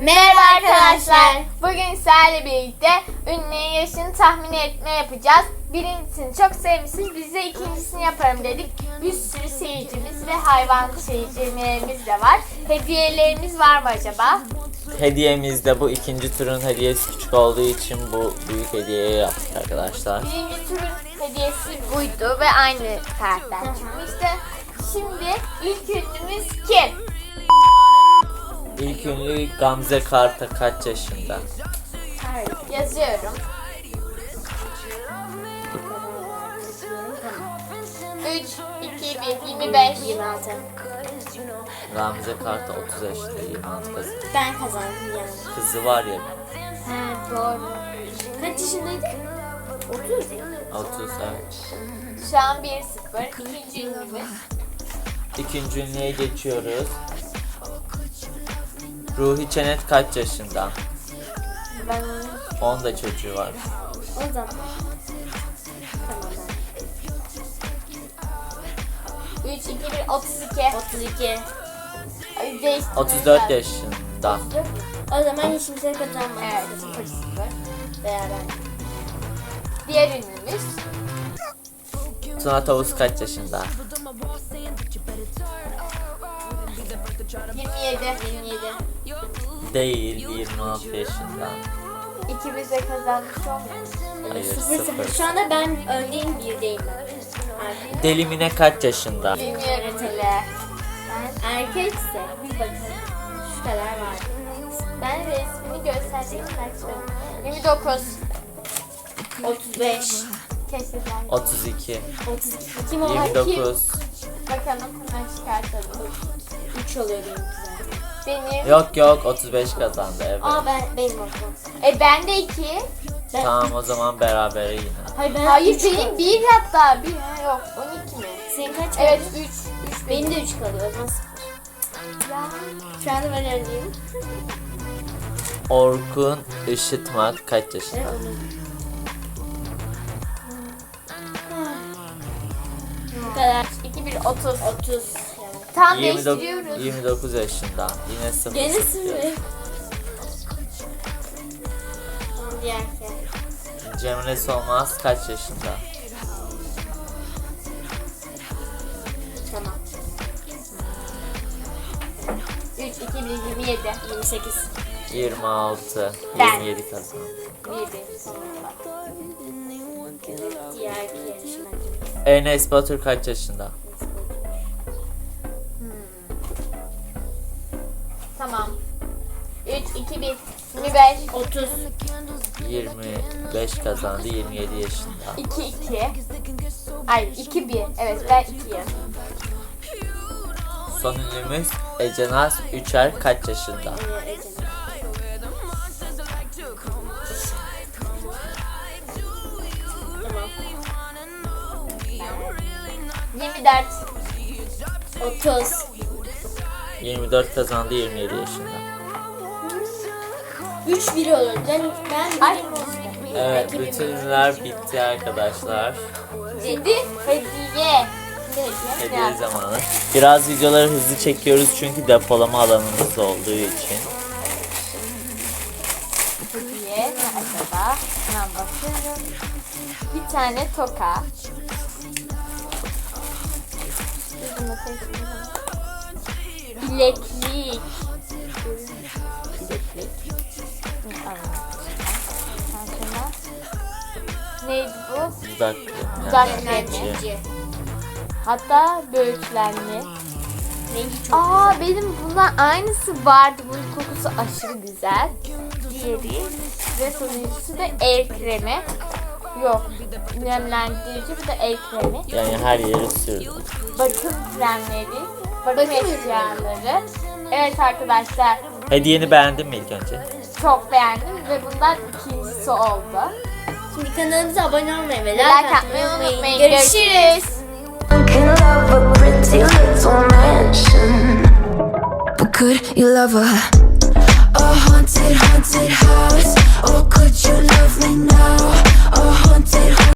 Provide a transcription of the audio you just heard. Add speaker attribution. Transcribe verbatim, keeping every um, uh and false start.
Speaker 1: Merhaba arkadaşlar. Bugün sizlerle birlikte ünlünün yaşını tahmin etme yapacağız. Birincisini çok sevmişsiniz. Biz de ikincisini yaparım dedik. Bir sürü seyircimiz ve hayvan seyircilerimiz de var. Hediyelerimiz var mı acaba?
Speaker 2: Hediyemizde bu ikinci turun hediyesi küçük olduğu için bu büyük hediyeyi yaptık arkadaşlar.
Speaker 1: Birinci turun hediyesi buydu ve aynı karakter çıkmıştı. Şimdi ilk ünlümüz kim?
Speaker 2: İlk ünlü Gamze Karta kaç yaşında?
Speaker 1: Yazıyorum. üç, iki, bir, yirmi beş, yirmi altı.
Speaker 2: Gamze Karta otuz yaşında, yirmi altı kızı.
Speaker 1: Ben kazandım yani.
Speaker 2: Kızı var ya.
Speaker 1: He doğru. Kaç yaşındaydı? otuz.
Speaker 2: otuz evet.
Speaker 1: Şu an bir sıfır. İkinci ünlümüz.
Speaker 2: İkinci ünlüye geçiyoruz. Ruhi Çenet kaç yaşında?
Speaker 1: Ben
Speaker 2: on da çocuğu var.
Speaker 1: o zaman. Tamam. üç, iki, bir, otuz iki. otuz iki.
Speaker 2: otuz dört yaşında.
Speaker 1: O zaman hiç kimse kazanmadı. Evet, sıfır sıfır. Beraber. Diğer ünlümüz.
Speaker 2: Tuna Tavus kaç yaşında?
Speaker 1: yirmi yedi. yirmi yedi.
Speaker 2: Değil, yirmi altı yaşında.
Speaker 1: İkimiz de kazanmış olmuyor.
Speaker 2: Hayır,
Speaker 1: sıfır sıfır.
Speaker 2: sıfır.
Speaker 1: Şu anda ben öndeyim, birdeyim ben.
Speaker 2: Deli Mine kaç yaşında?
Speaker 1: Bilmiyorum hele. Ben erkekse bir bakın. Şu kadar var. Ben resmini göstereceğim. yirmi dokuz. otuz beş. Keşke ben.
Speaker 2: otuz iki.
Speaker 1: otuz iki. Kim o?
Speaker 2: yirmi dokuz.
Speaker 1: Bakalım hemen çıkartalım. üç oluyor benimkiler. Benim.
Speaker 2: Yok yok otuz beş kazandı evet.
Speaker 1: Aa ben benim okul. E ben de iki. Ben...
Speaker 2: Tamam o zaman berabere yine.
Speaker 1: Hayır, ben Hayır benim bir hatta bir ha, yok on iki mi? Senin kaç? Evet üç. üç benim de üç kalıyor o zaman sıfır. Ya. Şu anda ben öndeyim.
Speaker 2: Orkun Işıtmak kaç yaşında?
Speaker 1: Evet, bu kadar. iki bir otuz. otuz. Tam
Speaker 2: yirmi dokuz,
Speaker 1: değiştiriyoruz.
Speaker 2: yirmi dokuz yaşında. Yine sıfır.
Speaker 1: Gene
Speaker 2: sıfır.
Speaker 1: sıfır. Diğer şey.
Speaker 2: Cemre Solmaz kaç yaşında?
Speaker 1: Tamam. üç, iki, bir, yirmi yedi. yirmi sekiz.
Speaker 2: yirmi altı.
Speaker 1: Ben.
Speaker 2: yirmi yedi kazandı.
Speaker 1: bir, bir. Diğer bir yarışmacı.
Speaker 2: Enes Batur kaç yaşında?
Speaker 1: Tamam. üç, iki, bir, yirmi beş, otuz.
Speaker 2: yirmi beş kazandı. yirmi yedi yaşında.
Speaker 1: iki, iki. Ay, iki, bir. Evet, ben ikiyim.
Speaker 2: Son ünlümüz Ece Naz Üçer kaç yaşında?
Speaker 1: yirmi dört. otuz.
Speaker 2: yirmi dört kazandı. yirmi yedi yaşında.
Speaker 1: üç bir olur. Ben ben Ay.
Speaker 2: Evet, bütün ünlüler bitti arkadaşlar.
Speaker 1: Dedi hediye.
Speaker 2: Hediye zamanı. Biraz videoları hızlı çekiyoruz çünkü depolama alanımız olduğu için.
Speaker 1: Hediye ne acaba? Hemen bakıyorum. Bir tane toka. Bileklik. Bileklik. Neydi bu?
Speaker 2: Dudak
Speaker 1: Dudak
Speaker 2: nemlendirici.
Speaker 1: nemlendirici. Hatta böğürtlenli. Aa benim bundan aynısı vardı. Bunun kokusu aşırı güzel. Diğeri ve sonuncusu da el kremi. Yok. Nemlendirici bu da el kremi.
Speaker 2: Yani her yere sürdüm.
Speaker 1: Bakım kremleri. Bakım eşyaları. Evet arkadaşlar.
Speaker 2: Hediyeni beğendin mi ilk önce?
Speaker 1: Çok beğendim ve bundan ikincisi oldu.
Speaker 3: Şimdi kanalımıza abone olmayı ve
Speaker 1: Like atmayı unutmayın. Görüşürüz.
Speaker 4: Can love a pretty little mansion, but could you love a, a haunted, haunted house? Or could you love me now? A haunted